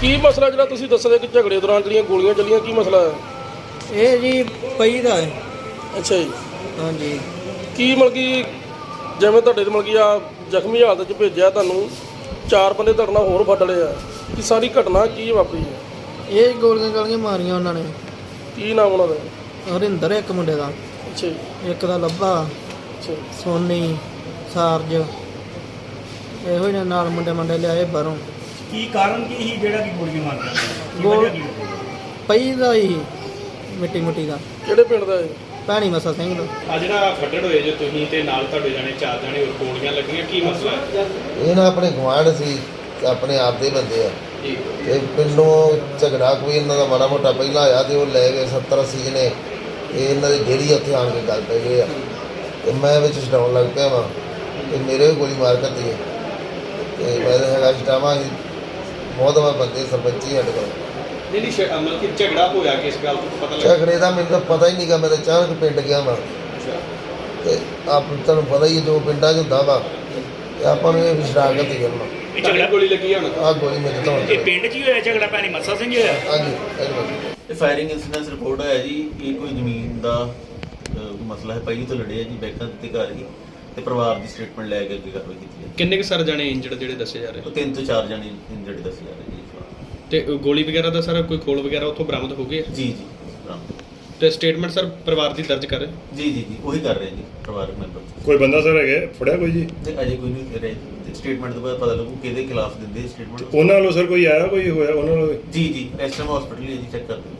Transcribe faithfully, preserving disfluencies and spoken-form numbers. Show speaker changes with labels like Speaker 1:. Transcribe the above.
Speaker 1: ਕੀ ਮਸਲਾ ਜਿਹੜਾ ਤੁਸੀਂ ਦੱਸਦੇ ਕਿ ਝਗੜੇ ਦੌਰਾਨ ਜਿਹੜੀਆਂ ਗੋਲੀਆਂ ਚੱਲੀਆਂ, ਕੀ ਮਸਲਾ ਹੈ?
Speaker 2: ਇਹ ਜੀ ਪਈ ਦਾ ਹੈ।
Speaker 1: ਅੱਛਾ ਜੀ।
Speaker 2: ਹਾਂਜੀ।
Speaker 1: ਕੀ ਮਤਲਬ ਕਿ ਜਿਵੇਂ ਤੁਹਾਡੇ ਮਤਲਬ ਕਿ ਆ ਜ਼ਖਮੀ ਹਾਲਤ 'ਚ ਭੇਜਿਆ ਤੁਹਾਨੂੰ, ਚਾਰ ਬੰਦੇ ਤੁਹਾਡੇ ਨਾਲ ਹੋਰ ਫੱਡ ਲਏ ਆ, ਕਿ ਸਾਰੀ ਘਟਨਾ ਕੀ ਵਾਪਰੀ ਹੈ?
Speaker 2: ਇਹ ਗੋਲੀਆਂ ਗਾਲੀਆਂ ਮਾਰੀਆਂ ਉਹਨਾਂ ਨੇ।
Speaker 1: ਕੀ ਨਾਮ ਉਹਨਾਂ ਦਾ?
Speaker 2: ਹਰਿੰਦਰ ਇੱਕ ਮੁੰਡੇ ਦਾ,
Speaker 1: ਅੱਛਾ ਜੀ।
Speaker 2: ਇੱਕ ਦਾ ਲੱਭਾ,
Speaker 1: ਅੱਛਾ
Speaker 2: ਸੋਨੀ, ਸਾਰਜ, ਇਹੋ ਹੀ ਨੇ ਨਾਲ ਮੁੰਡੇ ਮੁੰਡੇ ਲਿਆਏ ਬਾਹਰੋਂ।
Speaker 3: ਕੀ ਕਾਰਨ ਕੀ ਸੀ ਜਿਹੜਾ ਕਿ ਗੋਲੀਆਂ ਮਾਰਦਾ?
Speaker 2: ਗੋਲ ਪਈ ਦਾ ਹੀ ਮਿੱਟੀ ਮੁੱਟੀ ਦਾ।
Speaker 1: ਕਿਹੜੇ ਪਿੰਡ ਦਾ ਹੈ?
Speaker 2: ਭੈਣੀ ਮਸਾ ਸਿੰਘ ਦਾ।
Speaker 4: ਆ ਜਿਹੜਾ ਫੱਟੜ ਹੋਏ ਜੇ ਤੁਸੀਂ ਤੇ ਨਾਲ ਤੁਹਾਡੇ ਜਾਣੇ ਚਾਰ ਜਾਣੇ ਹੋਰ ਗੋਲੀਆਂ ਲੱਗੀਆਂ, ਕੀ ਮਸਲਾ ਹੈ?
Speaker 5: ਇਹ ਨਾ ਆਪਣੇ ਗੁਆਂਢ ਸੀ ਤੇ ਆਪਣੇ ਆਪ ਦੇ ਬੰਦੇ ਆ
Speaker 4: ਜੀ।
Speaker 5: ਤੇ ਪਿੰਡੋਂ ਝਗੜਾ ਕੋਈ ਇਹਨਾਂ ਦਾ ਮਾੜਾ ਮੋਟਾ ਪਹਿਲਾਂ ਆਇਆ ਤੇ ਉਹ ਲੈ ਗਏ ਸੱਤਰ ਅੱਸੀ ਜਣੇ। ਇਹ ਇਹਨਾਂ ਦੀ ਡੇਰੀ ਉੱਥੇ ਆਣ ਕੇ ਗੱਲ ਪੈ ਗਏ ਆ ਤੇ ਮੈਂ ਵਿੱਚ ਛਡਾਉਣ ਲੱਗ ਪਿਆ ਵਾਂ ਤੇ ਮੇਰੇ ਵੀ ਗੋਲੀ ਮਾਰ ਕਰਦੀ ਹੈ ਤੇ ਮੈਂ ਤਾਂ ਹੈਗਾ ਛਡਾਵਾਂ ਸੀ ਬਹੁਤ ਵਾਰ ਬੰਦੇ ਸਰਪੰਚੀ ਸਾਡੇ ਕੋਲ।
Speaker 4: ਨਹੀਂ ਨਹੀਂ ਸ਼- ਮਤਲਬ ਕਿ ਝਗੜਾ ਹੋਇਆ ਕਿਸ ਗੱਲ ਤੋਂ ਪਤਾ ਲੱਗਾ?
Speaker 5: ਝਗੜੇ ਦਾ ਮੈਨੂੰ ਤਾਂ ਪਤਾ ਹੀ ਨਹੀਂਗਾ, ਮੈਂ ਤਾਂ ਅਚਾਨਕ ਪਿੰਡ ਗਿਆ ਵਾਂ ਤੇ ਆਪ ਤੁਹਾਨੂੰ ਪਤਾ ਹੀ ਹੈ ਜੋ ਪਿੰਡਾਂ 'ਚ ਹੁੰਦਾ ਵਾ ਤੇ ਆਪਾਂ ਨੂੰ ਇਹ ਵੀ ਸ਼ਰਾਕਤ ਹੀ ਕਰਨਾ।
Speaker 4: ਇਹ ਝਗੜਾ ਗੋਲੀ ਲੱਗੀ ਹੁਣ?
Speaker 5: ਆਹ ਗੋਲੀ ਮੇਰੇ ਤੋਂ
Speaker 3: ਇਹ ਪਿੰਡ 'ਚ ਹੀ ਹੋਇਆ ਝਗੜਾ? ਭੈਣੀ ਮੱਸਾ ਸਿੰਘ ਹੋਇਆ?
Speaker 5: ਹਾਂਜੀ ਹਾਂਜੀ।
Speaker 6: ਇਹ ਫਾਇਰਿੰਗ ਇਨਸੀਡੈਂਸ ਰਿਪੋਰਟ ਹੋਇਆ ਜੀ। ਇਹ ਕੋਈ ਜ਼ਮੀਨ ਦਾ ਅਹ, ਮਸਲਾ ਹੈ। ਪਹਿਲੀ ਤੋਂ ਲੜੇ ਆ ਜੀ, ਬੈਂਕਾਂ ਦੇ ਘਰ ਹੀ ਤੇ ਪਰਿਵਾਰ ਦੀ ਸਟੇਟਮੈਂਟ ਲੈ ਕੇ ਅੱਗੇ ਕਾਰਵਾਈ ਕੀਤੀ ਹੈ।
Speaker 4: ਕਿੰਨੇ ਕੁ ਸਰ ਜਾਣੇ ਇੰਜਰਡ ਜਿਹੜੇ ਦੱਸੇ ਜਾ ਰਹੇ?
Speaker 6: ਉਹ ਤਿੰਨ ਤੋਂ ਚਾਰ ਜਣੇ ਇੰਜਰਡ ਦੱਸੇ ਜਾ ਰਹੇ ਜੀ।
Speaker 4: ਤੇ ਗੋਲੀ ਵਗੈਰਾ ਦਾ ਸਰ ਕੋਈ ਖੋਲ ਵਗੈਰਾ ਉੱਥੋਂ ਬਰਾਮਦ ਹੋ ਗਏ?
Speaker 6: ਜੀ ਜੀ
Speaker 4: ਤੇ ਸਟੇਟਮੈਂਟ ਸਰ ਪਰਿਵਾਰ ਦੀ ਦਰਜ ਕਰ?
Speaker 6: ਜੀ ਜੀ ਜੀ ਉਹੀ ਕਰ ਰਹੇ ਜੀ ਪਰਿਵਾਰਕ ਮੈਂਬਰ।
Speaker 7: ਕੋਈ ਬੰਦਾ ਸਰ ਹੈਗਾ ਫੜਿਆ ਕੋਈ ਜੀ?
Speaker 6: ਤੇ ਅਜੇ ਕੋਈ ਨਹੀਂ ਰਹੇ। ਸਟੇਟਮੈਂਟ ਤੋਂ ਬਾਅਦ ਪਤਾ ਲੱਗੂ ਕਿਹਦੇ ਖਿਲਾਫ ਦਿੰਦੇ ਸਟੇਟਮੈਂਟ।
Speaker 7: ਉਹਨਾਂ ਵੱਲੋਂ ਸਰ ਕੋਈ ਆਇਆ, ਕੋਈ ਹੋਇਆ ਉਹਨਾਂ ਵੱਲੋਂ?
Speaker 6: ਜੀ ਜੀ ਇਸ ਟਾਈਮ ਹਸਪੀਟਲ ਹੀ ਹੈ ਜੀ, ਚੈੱਕ ਕਰਦੇ